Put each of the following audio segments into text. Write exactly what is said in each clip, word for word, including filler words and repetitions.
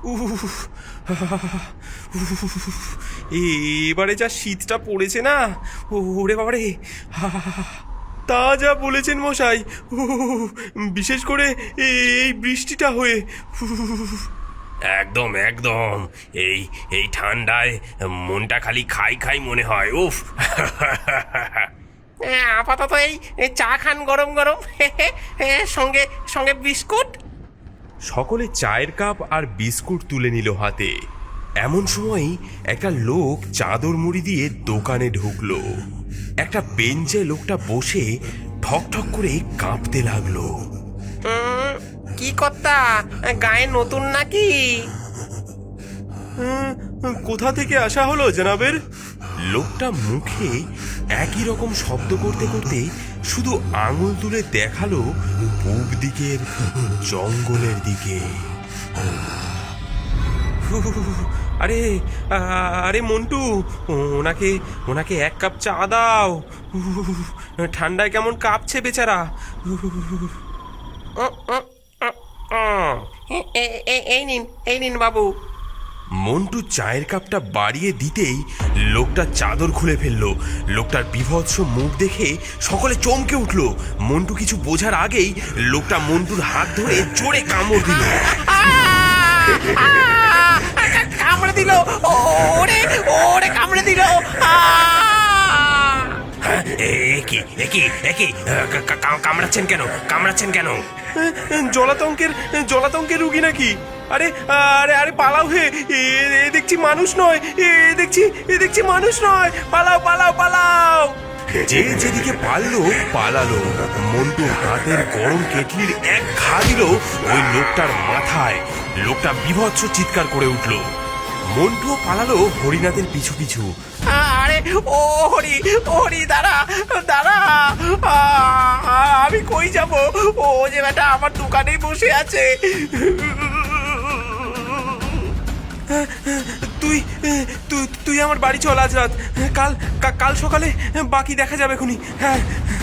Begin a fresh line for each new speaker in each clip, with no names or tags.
উফ, এবারে যা শীতটা পড়েছে না, ওরে বাবারে। তা যা বলেছেন মশাই, বিশেষ করে এই বৃষ্টিটা হয়ে।
একদম একদম, এই এই ঠান্ডায় মনটা খালি খাই খাই মনে হয়। উফ।
আপাতত এই এই চা খান গরম গরম, সঙ্গে সঙ্গে বিস্কুট।
সকলে চায়ের কাপ আর বিস্কুট তুলে নিল হাতে। এমন সময় একটা লোক চাদর মুড়ি দিয়ে দোকানে ঢুকলো। একটা বেঞ্চে লোকটা বসে ঠক ঠক করে কাঁপতে লাগলো।
উম, কি কর্তা, গায়ে নতুন নাকি?
কোথা থেকে আসা হলো জনাবের? লোকটা মুখে একই রকম শব্দ করতে করতে শুধু আঙুল তুলে দেখালো পূব দিকের জঙ্গলের দিকে। আরে আরে মন্টু, ওনাকে ওনাকে এক কাপ চা দাও। ঠান্ডায় কেমন কাঁপছে বেচারা।
এই নিন, এই নিন বাবু।
মন্টু চায়ের কাপটা বাড়িয়ে দিতেই লোকটা চাদর খুলে ফেললো। লোকটার বিভৎস মুখ দেখে সকলে চমকে উঠলো। মন্টু কিছু বোঝার আগেই লোকটা মন্টুর হাত ধরে জোরে কামড় দিল।
কামড়ে দিল, ওরে ওরে কামড়ে দিল।
একই একই একই কামড়াচ্ছেন কেন? কামড়াচ্ছেন কেন?
জলাতঙ্কের জলাতঙ্কের রুগী নাকি? আরে আরে আরে পালাও হে, এ দেখছি মানুষ নয়, এ দেখছি এ দেখছি মানুষ নয়, পালাও পালাও পালাও। যে যেদিকে পারলো পালালো। মন্টু হাতের গরম কেটলির এক ঘা দিল ওই লোকটার মাথায়। লোকটা বিভৎস চিৎকার করে উঠল। মন্টু পালালো হরিনাথের পিছু পিছু।
আরে ও হরি, হরি দাঁড়া দাঁড়া, আমি কই যাব? ও যে বেটা আমার দোকানেই বসে আছে।
তুই তুই তুই আমার বাড়ি চল আজ রাত। কাল কাল সকালে বাকি দেখা যাবে খুনি। হ্যাঁ।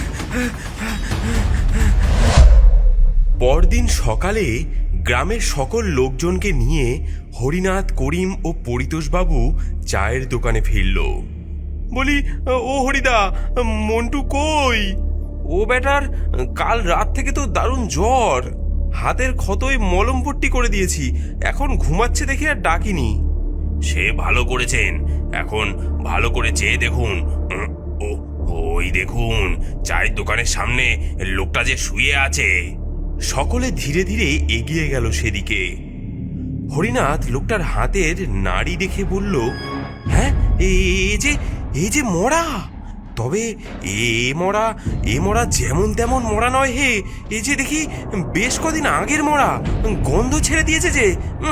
পরদিন সকালে গ্রামের সকল লোকজনকে নিয়ে হরিনাথ, করিম ও পরিতোষবাবু চায়ের দোকানে ফিরল। বলি, ও হরিদা, মন্টু কই? ও বেটার কাল রাত থেকে তো দারুণ জ্বর। হাতের ক্ষতই মলম পট্টি করে দিয়েছি, এখন ঘুমাচ্ছে দেখে আর ডাকিনি।
সে ভালো করেছেন। এখন ভালো করে চেয়ে দেখুন। ও ওই দেখুন, চায়ের দোকানের সামনে লোকটা যে শুয়ে আছে।
সকলে ধীরে ধীরে এগিয়ে গেল সেদিকে। হরিনাথ লোকটার হাতের নাড়ি দেখে বলল, হ্যাঁ, এ যে এই যে মরা। তবে এ মরা এ মরা যেমন তেমন মরা নয় হে, এ যে দেখি বেশ কদিন আগের মরা, গন্ধ ছেড়ে দিয়েছে যে।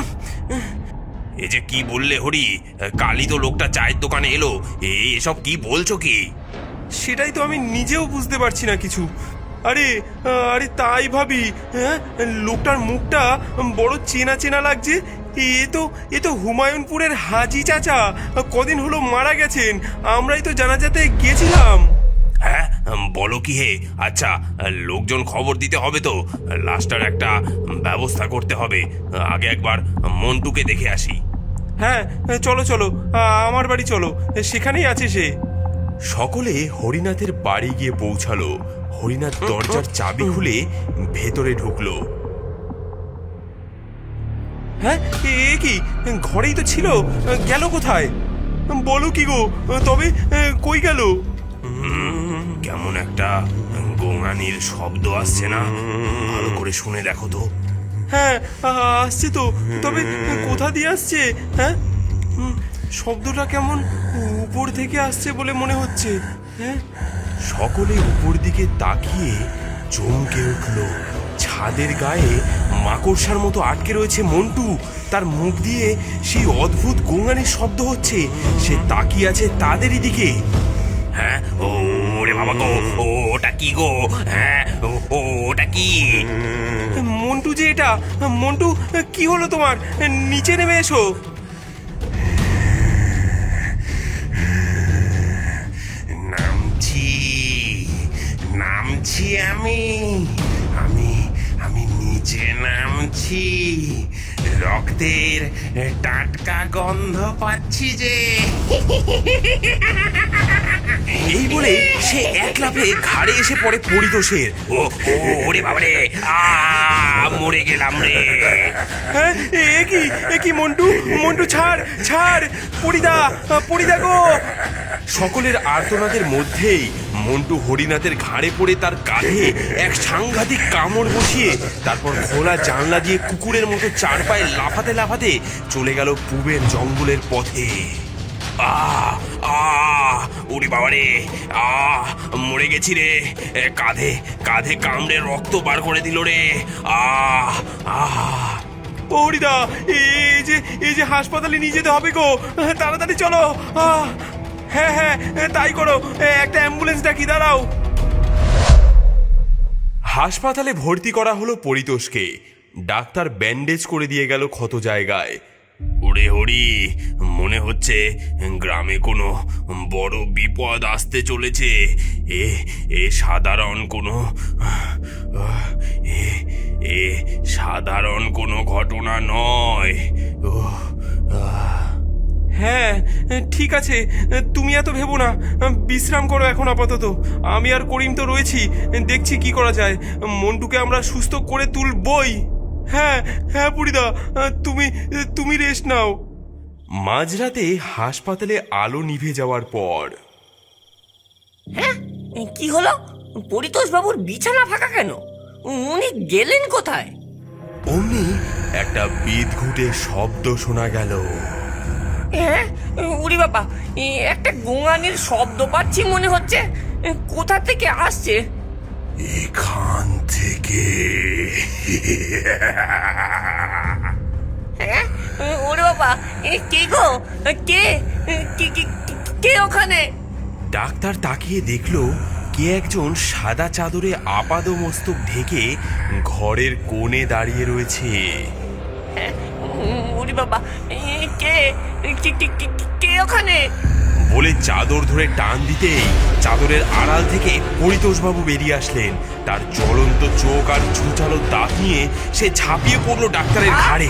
এ যে কি বললে হরি? কালই তো লোকটা চায়ের দোকানে এলো। এসব কি বলছো কি?
সেটাই তো আমি নিজেও বুঝতে পারছি না কিছু। আরে আরে তাই ভাবি, হ্যাঁ, লোকটার মুখটা বড় চেনা চেনা লাগছে। এ তো এ তো হুমায়ুনপুরের হাজি চাচা, কদিন হলো মারা গেছেন। আমরাই তো জানাজাতে গেছিলাম।
হ্যাঁ, বলো কি হে? আচ্ছা, লোকজন খবর দিতে হবে তো, লাশটার একটা ব্যবস্থা করতে হবে। আগে একবার মন্টুকে দেখে আসি।
হ্যাঁ, চলো চলো, আমার বাড়ি চলো, সেখানেই আছে সে। সকলে হরিনাথের বাড়ি গিয়ে পৌঁছালো। হরিনাথ দরজার চাবি খুলে ভেতরে ঢুকলো। হ্যাঁ, এ কি, ঘরেই তো ছিল, গেল কোথায়? বলো কি গো, তবে কই গেল?
কেমন একটা গোঙানির শব্দ আসছে না? ভালো করে শুনে দেখো তো।
হ্যাঁ, আসছে তো, তবে কোথা দিয়ে আসছে? হ্যাঁ, শব্দটা কেমন উপর থেকে আসছে বলে মনে হচ্ছে। হ্যাঁ, সকলে উপর দিকে তাকিয়ে চমকে উঠল। ছাদের গায়ে মাকড়সার মতো আটকে রয়েছে মন্টু। তার মুখ দিয়ে সেই অদ্ভুত গোঙানির শব্দ হচ্ছে। সে তাকিয়ে আছে তাদেরই দিকে।
হ্যাঁ, ওরে বাবা গো, ওটা কি গো? হ্যাঁ, ওটা কি?
মন্টু যে এটা। মন্টু, কি হলো তোমার? নিচে নেমে এসো।
নামছি নামছি আমি আমি আমি নিচে নামছি। রক্তের টাটকা গন্ধ পাচ্ছি যে।
এই বলে সে এক লাফে ঘাড়ে এসে পড়ে পরিতোষের।
ও ও, ওরে বাবারে, আ মরে গেলাম রে।
হ্যাঁ, এ কি এ কি মন্টু, মন্টু ছাড় ছাড়, পরিদা পরিদা গো। সকলের আর্তনাদের মধ্যেই মন্টু হরিনাথের ঘাড়ে পড়ে তার কাঁধে এক সাংঘাতিক কামড় বসিয়ে তারপর খোলা জানলা দিয়ে কুকুরের মতো চার পায়ে লাফাতে লাফাতে চলে গেল পূবের জঙ্গলের পথে।
আ আ ওরে বাবারে, আ মরে গেছি রে। এ, কাঁধে কাঁধে কামড়ে রক্ত বার করে দিল রে। আ আ
ও হরিদা, এই যে এই যে হাসপাতালে নিয়ে যেতে হবে গো, তাড়াতাড়ি চলো। আহ, হ্যাঁ হ্যাঁ তাই করো, একটা অ্যাম্বুলেন্স ডাকি, দাঁড়াও। হাসপাতালে ভর্তি করা হলো পরিতোষকে। ডাক্তার ব্যান্ডেজ করে দিয়ে গেল ক্ষত জায়গায়।
ওরে হরি, মনে হচ্ছে গ্রামে কোনো বড় বিপদ আসতে চলেছে। এ এ সাধারণ কোনো এ এ সাধারণ কোনো ঘটনা নয়। উহ, আহ।
হ্যাঁ ঠিক আছে, তুমি এত ভেবো না, বিশ্রাম করো এখন আপাতত। আমি আর করিম তো রয়েছি, দেখছি কি করা যায়। মন্টুকে আমরা সুস্থ করে তুলবই। হ্যাঁ হ্যাঁ পুরিদা, তুমি তুমি রেস্ট নাও। মাঝরাতে হাসপাতালে আলো নিভে যাওয়ার পর
হ্যাঁ, কি হলো? পরিতোষ বাবুর বিছানা ফাঁকা কেন? উনি গেলেন কোথায়?
অমনি একটা বিদঘুটে শব্দ শোনা গেল।
হ্যাঁ, উরি বাবা, এ একটা গোঙানির শব্দ পাচ্ছি মনে হচ্ছে। কোথা থেকে আসছে?
এখান থেকে।
হ্যাঁ, ওরে বাবা, এ কে গো? কে কে- কে- কে ওখানে?
ডাক্তার তাকিয়ে দেখলো কে একজন সাদা চাদরে আপাদমস্তক ঢেকে ঘরের কোণে দাঁড়িয়ে রয়েছে।
হ্যাঁ, উরি বাবা, এ কে কে- কে- কে- কে ওখানে?
বলে চাদর ধরে টান দিতেই চাদরের আড়াল থেকে পরিতোষবাবু বেরিয়ে আসলেন। তার জ্বলন্ত চোখ আর ছুচালো দাঁত নিয়ে সে ঝাঁপিয়ে পড়লো ডাক্তারের ঘাড়ে।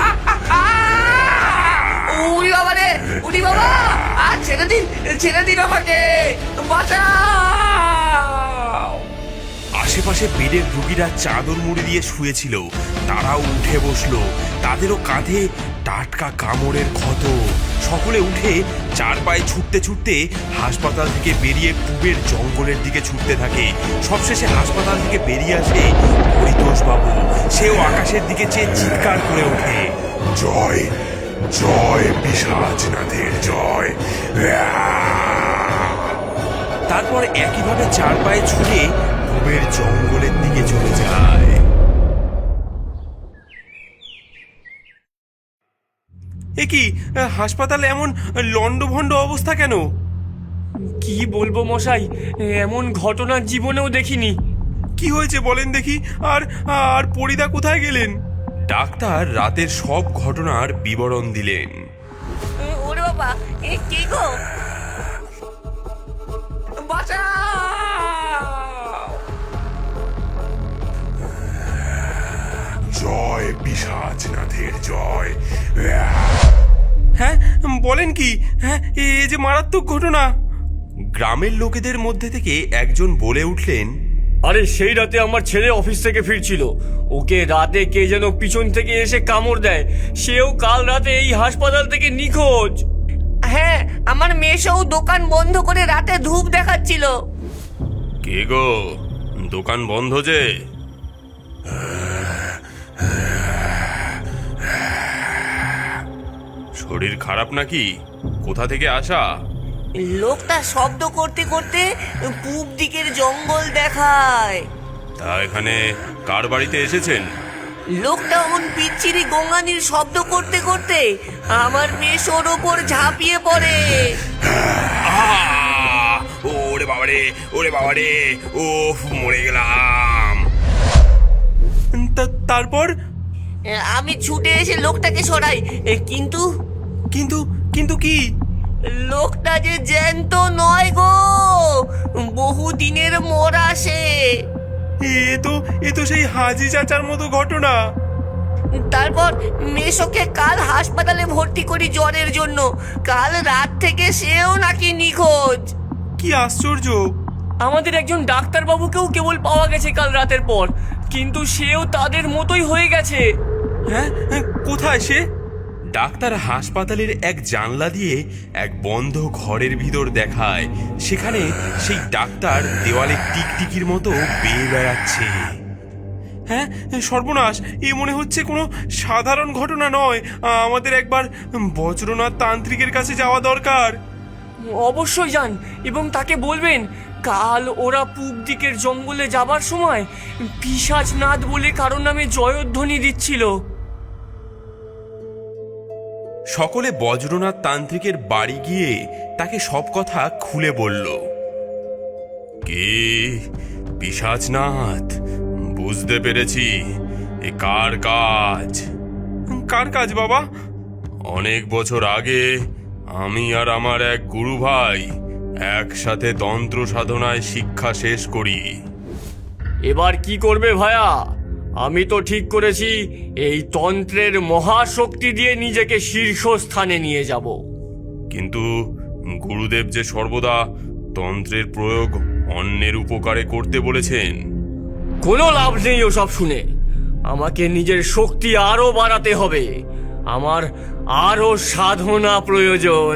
উরি বাবা রে, উরি বাবা, আর ছেড়ে দিন, ছেড়ে দিন আমাকে, বাঁচাও।
আশেপাশে বেডের রুগীরা চাদর মুড়ি দিয়ে শুয়েছিল, তারাও উঠে বসলো। তাদেরও কাঁধে টাটকা কামড়ের ক্ষত। সকলে উঠে চার পায়ে ছুটতে ছুটতে হাসপাতাল থেকে বেরিয়ে পূবের জঙ্গলের দিকে ছুটতে থাকে। সবশেষে হাসপাতাল থেকে বেরিয়ে আসে পরিতোষবাবু। সেও আকাশের দিকে চেয়ে চিৎকার করে ওঠে,
জয় জয় পিশাচনাথের জয়।
তারপর একইভাবে চার পায়ে ছুটে পূবের জঙ্গলের দিকে চলে যায়। এ কি, হাসপাতালে এমন লন্ডভন্ড অবস্থা কেন?
কি বলবো মশাই, এমন ঘটনা জীবনেও দেখিনি।
কি হয়েছে বলেন দেখি, আর আর পরিদা কোথায় গেলেন? ডাক্তার রাতের সব ঘটনার বিবরণ দিলেন।
ওরে বাবা, এ কে গো? বাঁচাও।
জয় পিশাচনাথের জয়।
হ্যাঁ বলেন কি? হ্যাঁ, এ যে মারাত্মক ঘটনা। গ্রামের লোকেদের মধ্যে থেকে একজন বলে উঠলেন,
আরে সেই রাতে আমার ছেলে অফিস থেকে ফিরছিল, ওকে রাতে কে যেন পিছন থেকে এসে কামড় দেয়। সেও কাল রাতে এই হাসপাতাল থেকে নিখোঁজ।
হ্যাঁ, আমার মেয়েও দোকান বন্ধ করে রাতে ধূপ দেখাচ্ছিল।
কে গো, দোকান বন্ধ যে? শরীর খারাপ নাকি? কোথা থেকে আসা?
লোকটা শব্দ করতে করতে পূব দিকের জঙ্গল দেখায়।
তা এখানে কার বাড়িতে এসেছেন?
লোকটা অমন বিচ্ছিরি গোঙানির শব্দ করতে করতে আমার মেয়ের ওপর ঝাঁপিয়ে পড়ে।
আহ! ওরে বাবারে, ওরে বাবারে, ওফ মরে গেলাম।
তা- তারপর?
আমি ছুটে এসে লোকটাকে সরাই, কিন্তু
কিন্তু কিন্তু কি?
লোকটা যে জ্যান্ত নয় গো, বহু দিনের মরা সে।
এ তো এ তো সেই হাজি চাচার মতো ঘটনা।
তারপর মেশোকে কাল হাসপাতালে ভর্তি করি জ্বরের জন্য। কাল রাত থেকে সেও নাকি নিখোঁজ।
কি আশ্চর্য!
আমাদের একজন ডাক্তারবাবুকেও কেবল পাওয়া গেছে কাল রাতের পর, কিন্তু সেও তাদের মতোই হয়ে গেছে।
হ্যাঁ, কোথায় সে?
ডাক্তার হাসপাতালের এক জানলা দিয়ে এক বন্ধ ঘরের ভিতর দেখায় সেখানে সেই ডাক্তার দেওয়ালে টিকটিকির মতো বেয়ে বেড়াচ্ছে।
হ্যাঁ, সর্বনাশ! এ মনে হচ্ছে কোনো সাধারণ ঘটনা নয়। আমাদের একবার বজ্রনাথ তান্ত্রিকের কাছে যাওয়া দরকার।
অবশ্যই যান এবং তাকে বলবেন কাল ওরা পূব দিকের জঙ্গলে যাবার সময় পিশাচনাথ বলে কারোর নামে জয়ধ্বনি দিচ্ছিল।
সকলে বজ্রনাথ তান্ত্রিকের বাড়ি গিয়ে তাকে সব কথা খুলে বলল। কে? পিশাচনাথ? বুঝতে পেরেছি, এ কার কাজ?
কার কাজ বাবা?
অনেক বছর আগে আমি আর আমার এক গুরু ভাই একসাথে তন্ত্র সাধনায় শিক্ষা শেষ করি।
এবার কি করবে ভায়া? আমি তো ঠিক করেছি এই তন্ত্রের মহাশক্তি দিয়ে নিজেকে শীর্ষস্থানে নিয়ে যাব।
কিন্তু গুরুদেব যে সর্বদা তন্ত্রের প্রয়োগ অন্যের উপকারে করতে বলেছেন।
কোনো লাভ নেই ওসব শুনে। আমাকে নিজের শক্তি আরো বাড়াতে হবে। আমার আরো সাধনা প্রয়োজন।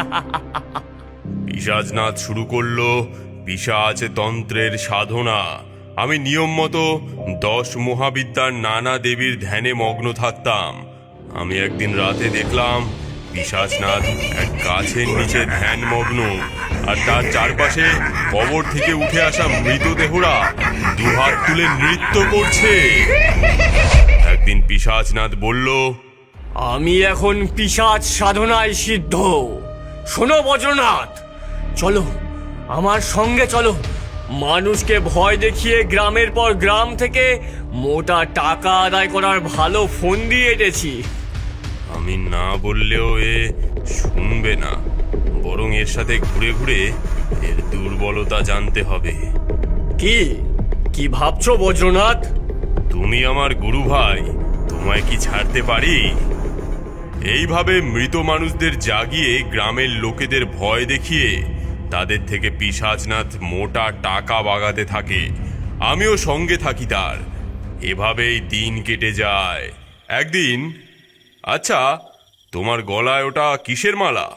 পিশাচনাথ শুরু করলো পিশাচ তন্ত্রের সাধনা। আমি নিয়ম মতো দশ মহাবিদ্যার নানা দেবীর ধ্যানে মগ্ন থাকতাম। আমি একদিন রাতে দেখলাম পিশাচনাথ এক গাছের নিচে ধ্যান মগ্ন, আর তার চারপাশে কবর থেকে উঠে আসা মৃতদেহরা দুহাত তুলে নৃত্য করছে। একদিন পিশাচনাথ বলল,
আমি এখন পিশাচ সাধনায় সিদ্ধ। শোনো বজ্রনাথ, চলো আমার সঙ্গে চলো। মানুষকে ভয় দেখিয়ে গ্রামের পর গ্রাম থেকে মোটা টাকা আদায় করার ভালো ফোন দিয়ে এটেছি।
আমি না বললেও এ শুনবে না, বরং এর সাথে ঘুরে ঘুরে এর দুর্বলতা জানতে হবে।
কি কি ভাবছো বজ্রনাথ?
তুমি আমার গুরু ভাই, তোমায় কি ছাড়তে পারি? এইভাবে মৃত মানুষদের জাগিয়ে গ্রামের লোকেদের ভয় দেখিয়ে তাদের থেকে পিশাচনাথ মোটা টাকা বাগাতে থাকে। আমিও সঙ্গে থাকি তার। এভাবেই দিন কেটে যায়। একদিন, আচ্ছা তোমার গলায় ওটা কিসের মালা?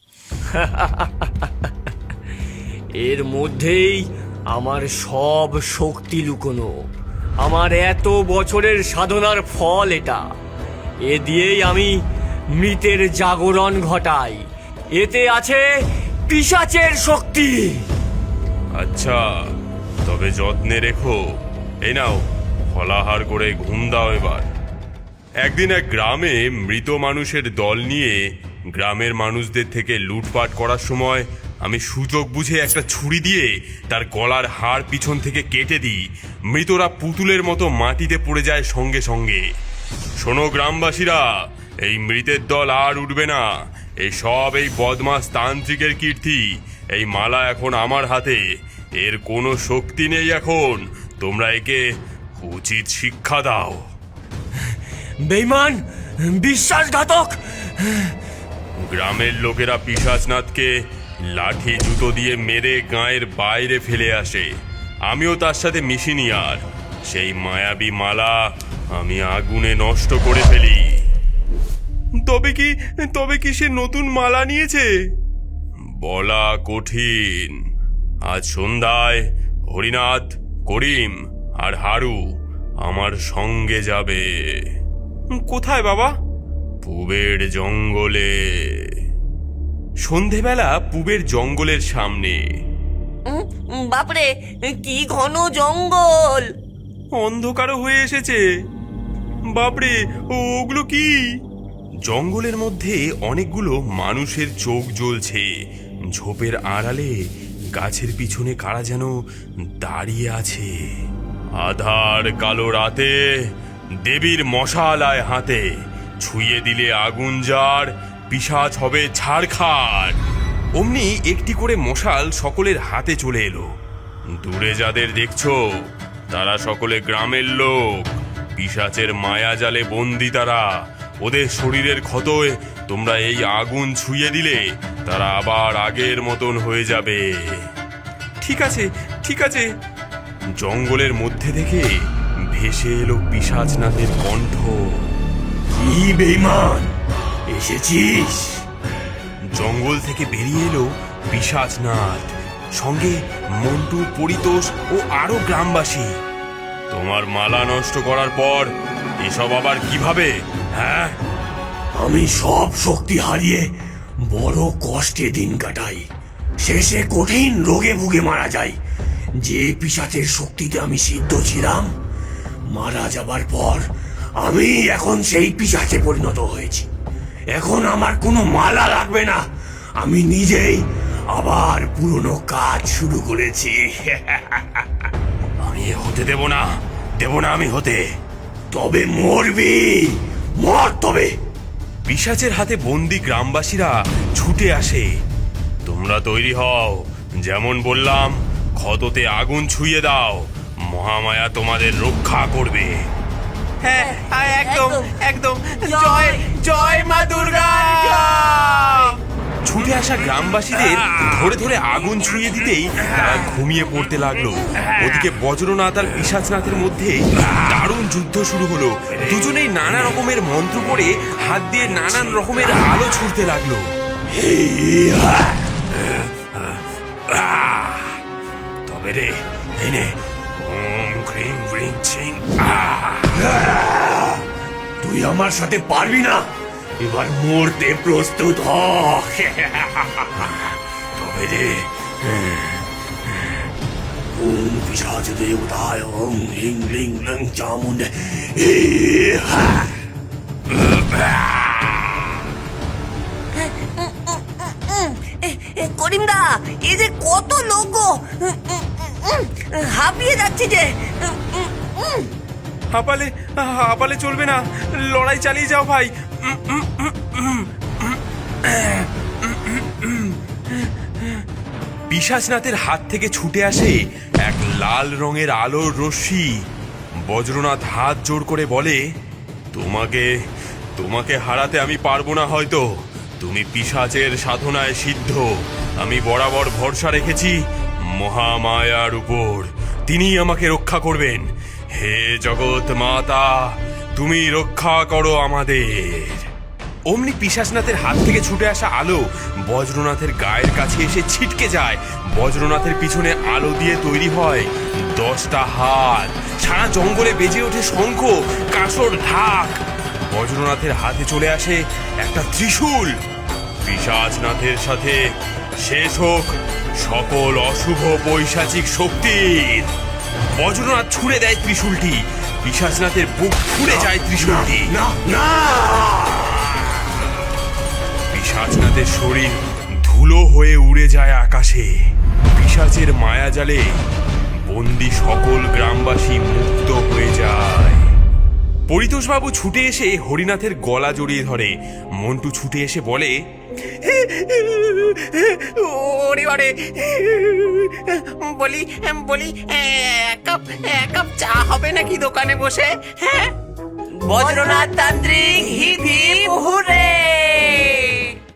এর মধ্যেই আমার সব শক্তি লুকোনো। আমার এত বছরের সাধনার ফল এটা। এ দিয়েই আমি মৃতের জাগরণ ঘটাই। এতে আছে পিশাচের শক্তি।
আচ্ছা, তবে যত্নে রেখো। এই নাও, ফলাহার করে ঘুম দাও এবার। একদিন এক গ্রামে মৃত মানুষের দল নিয়ে গ্রামের মানুষদের থেকে লুটপাট করার সময় আমি সুযোগ বুঝে একটা ছুরি দিয়ে তার গলার হাড় পিছন থেকে কেটে দিই। মৃতরা পুতুলের মতো মাটিতে পড়ে যায় সঙ্গে সঙ্গে। শোনো গ্রামবাসীরা, এই মৃতের দল আর উঠবে না। এই সব এই বদমাস তান্ত্রিকের কীর্তি। এই মালা এখন আমার হাতে। এর কোনো শক্তি নেই এখন। তোমরা একে উচিত শিক্ষা দাও।
বেঈমান, বিশ্বাসঘাতক।
গ্রামের লোকেরা পিশাচনাথকে লাঠি জুতো দিয়ে মেরে গাঁয়ের বাইরে ফেলে আসে। আমিও তার সাথে মিশিনি আর। সেই মায়াবী মালা আমি আগুনে নষ্ট করে ফেলি।
তবে কি তবে কি সে নতুন মালা নিয়েছে?
বলা কঠিন। আজ সন্ধ্যায় হরিনাথ, করিম আর হারু আমার সঙ্গে যাবে।
কোথায় বাবা?
পূবের জঙ্গলে। সন্ধেবেলা পূবের জঙ্গলের সামনে।
উম, বাপরে, কি ঘন জঙ্গল!
অন্ধকারও হয়ে এসেছে। বাপরে, ওগুলো কি?
জঙ্গলের মধ্যে অনেকগুলো মানুষের চোখ জ্বলছে। ঝোপের আড়ালে গাছের পিছনে কারা যেন দাঁড়িয়ে আছে। আধার কালো রাতে দেবীর মশালায় হাতে ছুঁয়ে দিলে আগুন যার, পিশাচ হবে ছাড়খাড়। অমনি একটি করে মশাল সকলের হাতে চলে এলো। দূরে যাদের দেখছো তারা সকলে গ্রামের লোক। পিশাচের মায়া জালে বন্দি তারা। ওদের শরীরের ক্ষতয় তোমরা এই আগুন ছুঁয়ে দিলে তারা আবার আগের মতন হয়ে যাবে।
ঠিক আছে ঠিক আছে।
জঙ্গলের মধ্যে থেকে ভেসে এলো পিশাচনাথের কণ্ঠ।
কি বেঈমান, এসেছিস?
জঙ্গল থেকে বেরিয়ে এলো পিশাচনাথ, সঙ্গে মন্টু, পরিতোষ ও আরো গ্রামবাসী। তোমার মালা নষ্ট করার পর এসব আবার কিভাবে? হ্যাঁ,
আমি সব শক্তি হারিয়ে বড় কষ্টে দিন কাটাই, শেষে কঠিন রোগে ভুগে মারা যাই। যে পিশাচের শক্তিতে আমি সিদ্ধ ছিলাম, মারা যাবার পর আমি এখন সেই পিশাচে পরিণত হয়েছি। এখন আমার কোনো মালা লাগবে না, আমি নিজেই আবার পুরনো কাজ শুরু করেছি।
আমি হতে দেব না, দেব না আমি হতে।
তবে মরবি, মর তবে।
পিশাচের হাতে বন্দি গ্রামবাসীরা ছুটে আসে। তোমরা তৈরি হও, যেমন বললাম ক্ষততে আগুন ছুঁয়ে দাও, মহামায়া তোমাদের রক্ষা করবে।
হ্যাঁ হ্যাঁ, একদম একদম। জয় জয় মা দুর্গা।
ছুটে আসা গ্রামবাসীদের ধরে ধরে আগুন ছুঁয়ে দিতেই তারা ঘুমিয়ে পড়তে লাগলো। ওদিকে বজ্রনাথ আর পিশাচনাথের মধ্যে দারুণ যুদ্ধ শুরু হলো। দুজনেই নানা রকমের মন্ত্র পড়ে হাত দিয়ে নানান রকমের আলো ছুড়তে লাগলো। তবে রে, এই নে, ওম ক্রিং ব্রিং চিং।
তুই আমার সাথে পারবি না, এবার মরতে প্রস্তুত হ।
তবে রে,
ওম পিশাচ দেবতায় ওম হ্রিং লিং লং চামুণ্ডে।
করিমদা, এই যে কত লোক গো, হাঁপিয়ে যাচ্ছে যে।
হাঁপালে হাঁপালে চলবে না, লড়াই চালিয়ে যাও ভাই।
পিশাচনাথের হাত থেকে ছুটে আসে এক লাল রঙের আলোর রশ্মি। বজ্রনাথ হাত জোড় করে বলে, তোমাকে তোমাকে হারাতে আমি পারবো না হয়তো। তুমি পিশাচের সাধনায় সিদ্ধ। আমি বরাবর ভরসা রেখেছি মহামায়ার উপর, তিনিই আমাকে রক্ষা করবেন। হে জগৎ মাতা, তুমি রক্ষা করো আমাদের। অমনি পিশাচনাথের হাত থেকে ছুটে আসা আলো বজ্রনাথের গায়ের কাছে এসে ছিটকে যায়। বজ্রনাথের পিছনে আলো দিয়ে তৈরি হয় দশটা হাত। সারা জঙ্গলে বেজে ওঠে শঙ্খ, কাঁসর, ঢাক। বজ্রনাথের হাতে চলে আসে একটা ত্রিশূল। পিশাচনাথের সাথে শেষ হোক সকল অশুভ পৈশাচিক শক্তির। বজ্রনাথ ছুঁড়ে দেয় ত্রিশূলটি, পিশাচনাথের বুক ফুঁড়ে যায় ত্রিশূলটি।
না না,
পিশাচনাথের শরীর ধুলো হয়ে উড়ে যায় আকাশে। পিশাচের মায়াজালে বন্দি সকল গ্রামবাসী মুক্ত হয়ে যায়। পরিতোষবাবু ছুটে এসে হরিনাথের গলা জড়িয়ে ধরে। মন্টু ছুটে এসে বলে,
ওরে ওরে, বলি বলি এক কাপ এক কাপ চা হবে নাকি দোকানে বসে? হ্যাঁ, বজ্রনাথ তান্ত্রিক হিপ হিপ হুররে।